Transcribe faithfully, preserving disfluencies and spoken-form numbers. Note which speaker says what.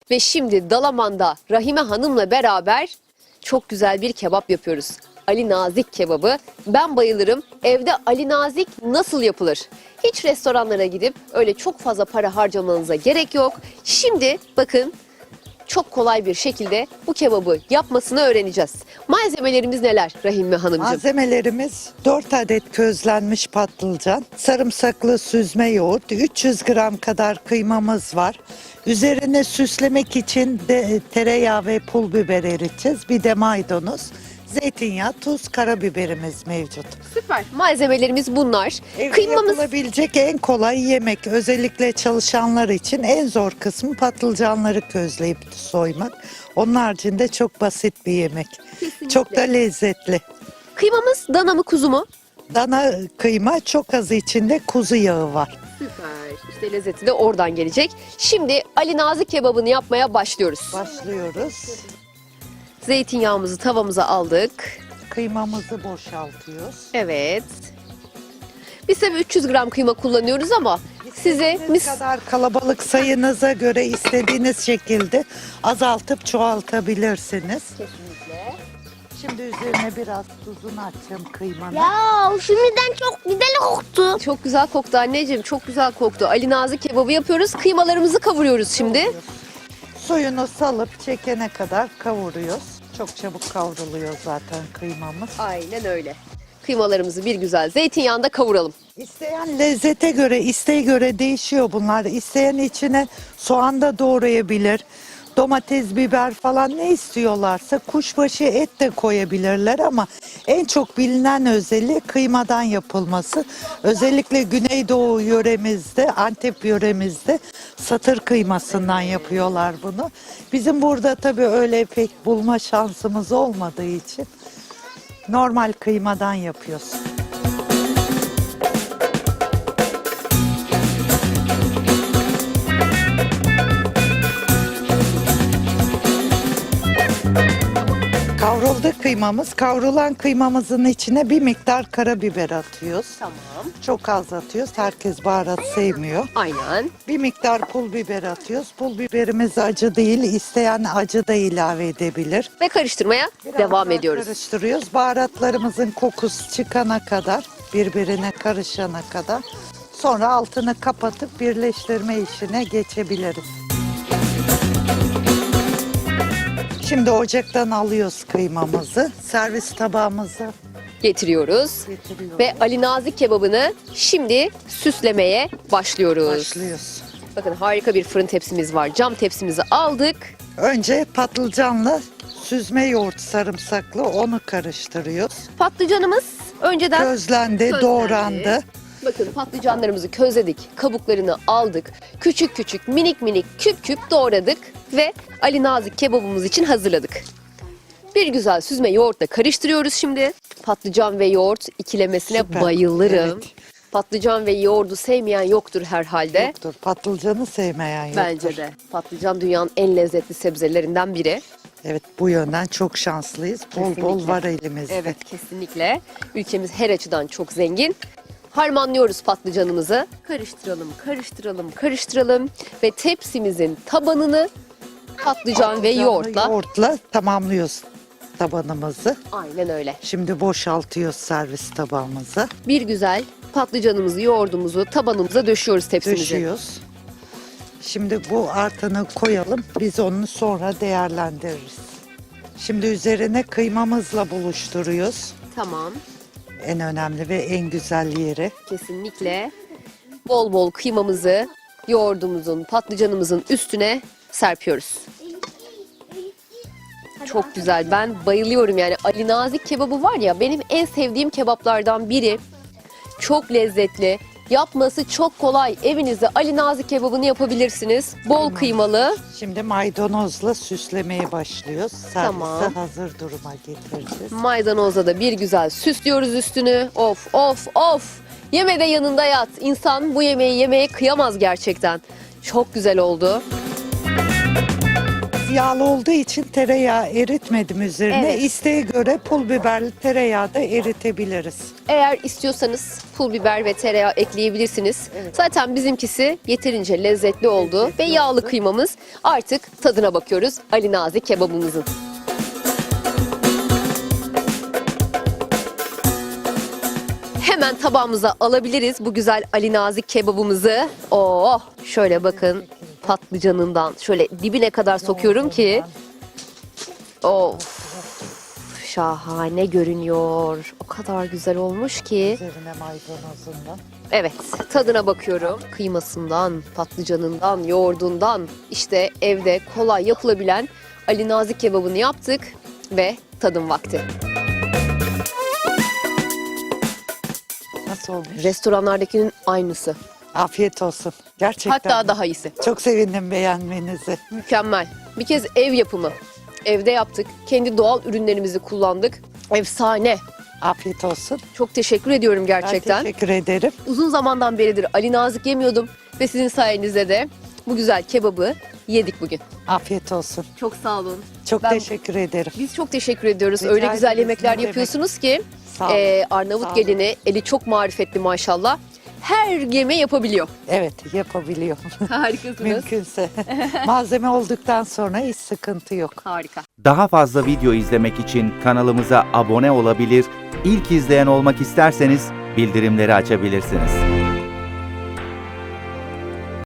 Speaker 1: Ve şimdi Dalaman'da Rahime Hanım'la beraber çok güzel bir kebap yapıyoruz. Ali Nazik kebabı. Ben bayılırım. Evde Ali Nazik nasıl yapılır? Hiç restoranlara gidip öyle çok fazla para harcamanıza gerek yok. Şimdi bakın çok kolay bir şekilde bu kebabı yapmasını öğreneceğiz. Malzemelerimiz neler Rahime Hanımcığım?
Speaker 2: Malzemelerimiz dört adet közlenmiş patlıcan, sarımsaklı süzme yoğurt, üç yüz gram kadar kıymamız var. Üzerine süslemek için de tereyağı ve pul biber eriteceğiz. Bir de maydanoz, zeytinyağı, tuz, karabiberimiz mevcut.
Speaker 1: Süper. Malzemelerimiz bunlar.
Speaker 2: Evde
Speaker 1: Kıymamız
Speaker 2: yapılabilecek en kolay yemek. Özellikle çalışanlar için en zor kısmı patlıcanları közleyip soymak. Onun haricinde çok basit bir yemek.
Speaker 1: Kesinlikle.
Speaker 2: Çok da lezzetli.
Speaker 1: Kıymamız dana mı kuzu mu?
Speaker 2: Dana kıyma, çok az içinde kuzu yağı var.
Speaker 1: Süper. İşte lezzeti de oradan gelecek. Şimdi Ali Nazik kebabını yapmaya başlıyoruz.
Speaker 2: Başlıyoruz.
Speaker 1: Zeytinyağımızı tavamıza aldık.
Speaker 2: Kıymamızı boşaltıyoruz.
Speaker 1: Evet. Biz tabii üç yüz gram kıyma kullanıyoruz ama size
Speaker 2: İstediğiniz
Speaker 1: mis
Speaker 2: kadar kalabalık sayınıza göre istediğiniz şekilde azaltıp çoğaltabilirsiniz.
Speaker 1: kesinlikle.
Speaker 2: Şimdi üzerine biraz tuzunu atacağım kıymanın.
Speaker 3: Ya şimdiden çok güzel koktu.
Speaker 1: Çok güzel koktu anneciğim. Çok güzel koktu. Ali Nazik kebabı yapıyoruz. Kıymalarımızı kavuruyoruz şimdi.
Speaker 2: Suyunu salıp çekene kadar kavuruyoruz. Çok çabuk kavruluyor zaten kıymamız.
Speaker 1: Aynen öyle. Kıymalarımızı bir güzel zeytinyağında kavuralım.
Speaker 2: İsteyen lezzete göre, isteğe göre değişiyor bunlar. İsteyen içine soğan da doğrayabilir. Domates, biber falan ne istiyorlarsa kuşbaşı et de koyabilirler ama en çok bilinen özelliği kıymadan yapılması. Özellikle Güneydoğu yöremizde, Antep yöremizde satır kıymasından yapıyorlar bunu. Bizim burada tabii öyle pek bulma şansımız olmadığı için normal kıymadan yapıyoruz. Kavruldu kıymamız. Kavrulan kıymamızın içine bir miktar karabiber atıyoruz.
Speaker 1: Tamam.
Speaker 2: Çok az atıyoruz. Herkes baharat sevmiyor.
Speaker 1: Aynen.
Speaker 2: Bir miktar pul biber atıyoruz. Pul biberimiz acı değil. İsteyen acı da ilave edebilir.
Speaker 1: Ve karıştırmaya
Speaker 2: Biraz
Speaker 1: devam
Speaker 2: daha
Speaker 1: ediyoruz.
Speaker 2: Karıştırıyoruz. Baharatlarımızın kokusu çıkana kadar, birbirine karışana kadar. Sonra altını kapatıp birleştirme işine geçebiliriz. Şimdi ocaktan alıyoruz kıymamızı. Servis tabağımıza
Speaker 1: Getiriyoruz.
Speaker 2: getiriyoruz.
Speaker 1: Ve Ali Nazik kebabını şimdi süslemeye başlıyoruz.
Speaker 2: Başlıyoruz.
Speaker 1: Bakın harika bir fırın tepsimiz var. Cam tepsimizi aldık.
Speaker 2: Önce patlıcanla süzme yoğurt sarımsaklı onu karıştırıyoruz.
Speaker 1: Patlıcanımız önceden
Speaker 2: Közlendi,
Speaker 1: közlendi.
Speaker 2: doğrandı.
Speaker 1: Bakın patlıcanlarımızı közledik. Kabuklarını aldık. Küçük küçük minik minik küp küp doğradık. Ve Ali Nazik kebabımız için hazırladık. Bir güzel süzme yoğurtla karıştırıyoruz şimdi. Patlıcan ve yoğurt ikilemesine
Speaker 2: Süper.
Speaker 1: bayılırım.
Speaker 2: Evet.
Speaker 1: Patlıcan ve yoğurdu sevmeyen yoktur herhalde.
Speaker 2: Yoktur. Patlıcanı sevmeyen yoktur.
Speaker 1: Bence de. Patlıcan dünyanın en lezzetli sebzelerinden biri.
Speaker 2: Evet, bu yönden çok şanslıyız. Bol bol
Speaker 1: Kesinlikle.
Speaker 2: var elimizde.
Speaker 1: Evet, kesinlikle. Ülkemiz her açıdan çok zengin. Harmanlıyoruz patlıcanımızı. Karıştıralım, karıştıralım, karıştıralım. Ve tepsimizin tabanını patlıcan ve
Speaker 2: Patlıcanlı
Speaker 1: yoğurtla.
Speaker 2: yoğurtla tamamlıyoruz tabanımızı.
Speaker 1: Aynen öyle.
Speaker 2: Şimdi boşaltıyoruz servis tabağımıza.
Speaker 1: Bir güzel patlıcanımızı, yoğurdumuzu tabanımıza döşüyoruz tepsimize.
Speaker 2: Döşüyoruz. Şimdi bu artanı koyalım. Biz onu sonra değerlendiririz. Şimdi üzerine kıymamızla buluşturuyoruz.
Speaker 1: Tamam.
Speaker 2: En önemli ve en güzel yeri.
Speaker 1: Kesinlikle. Bol bol kıymamızı yoğurdumuzun, patlıcanımızın üstüne serpiyoruz. Çok güzel. Ben bayılıyorum yani. Ali Nazik kebabı var ya, benim en sevdiğim kebaplardan biri. Çok lezzetli. Yapması çok kolay. Evinizde Ali Nazik kebabını yapabilirsiniz. Bol kıymalı.
Speaker 2: Şimdi maydanozla süslemeye başlıyoruz. Servise
Speaker 1: Tamam.
Speaker 2: hazır duruma getireceğiz.
Speaker 1: Maydanozla da bir güzel süslüyoruz üstünü. Of of of. Yeme de yanında yat. İnsan bu yemeği yemeye kıyamaz gerçekten. Çok güzel oldu.
Speaker 2: biraz yağlı olduğu için tereyağı eritmedim üzerine.
Speaker 1: Evet.
Speaker 2: İsteğe göre pul biberli tereyağı da eritebiliriz.
Speaker 1: Eğer istiyorsanız pul biber ve tereyağı ekleyebilirsiniz. Zaten bizimkisi yeterince lezzetli oldu
Speaker 2: Lezzetli
Speaker 1: ve yağlı
Speaker 2: oldu.
Speaker 1: kıymamız. Artık tadına bakıyoruz Ali Nazik kebabımızın. Hemen tabağımıza alabiliriz bu güzel Ali Nazik kebabımızı. Oh, şöyle bakın patlıcanından şöyle dibine kadar sokuyorum ki. Of, şahane görünüyor. O kadar güzel olmuş ki.
Speaker 2: Üzerine maydanozundan.
Speaker 1: Evet, tadına bakıyorum. Kıymasından, patlıcanından, yoğurdundan, işte evde kolay yapılabilen Ali Nazik kebabını yaptık ve tadım vakti.
Speaker 2: Nasıl olmuş?
Speaker 1: Restoranlardakinin aynısı.
Speaker 2: Afiyet olsun. Gerçekten.
Speaker 1: Hatta daha iyisi.
Speaker 2: Çok sevindim beğenmenizi.
Speaker 1: Mükemmel. Bir kez ev yapımı. Evde yaptık. Kendi doğal ürünlerimizi kullandık. Efsane.
Speaker 2: Afiyet olsun.
Speaker 1: Çok teşekkür ediyorum
Speaker 2: Ben
Speaker 1: gerçekten.
Speaker 2: teşekkür ederim.
Speaker 1: Uzun zamandan beridir Ali Nazik yemiyordum ve sizin sayenizde de bu güzel kebabı yedik bugün.
Speaker 2: Afiyet olsun.
Speaker 1: Çok sağ olun.
Speaker 2: Çok
Speaker 1: Ben-
Speaker 2: teşekkür ederim.
Speaker 1: Biz çok teşekkür ediyoruz.
Speaker 2: Rica
Speaker 1: Öyle güzel
Speaker 2: ederiz,
Speaker 1: yemekler
Speaker 2: ne demek.
Speaker 1: yapıyorsunuz ki
Speaker 2: Sağ olun.
Speaker 1: e, Arnavut
Speaker 2: Sağ olun.
Speaker 1: gelini eli çok marifetli maşallah. Her yeme yapabiliyor.
Speaker 2: Evet, yapabiliyorum.
Speaker 1: Harikasınız.
Speaker 2: Mümkünse. Malzeme olduktan sonra hiç sıkıntı yok.
Speaker 1: Harika.
Speaker 4: Daha fazla video izlemek için kanalımıza abone olabilir, ilk izleyen olmak isterseniz bildirimleri açabilirsiniz.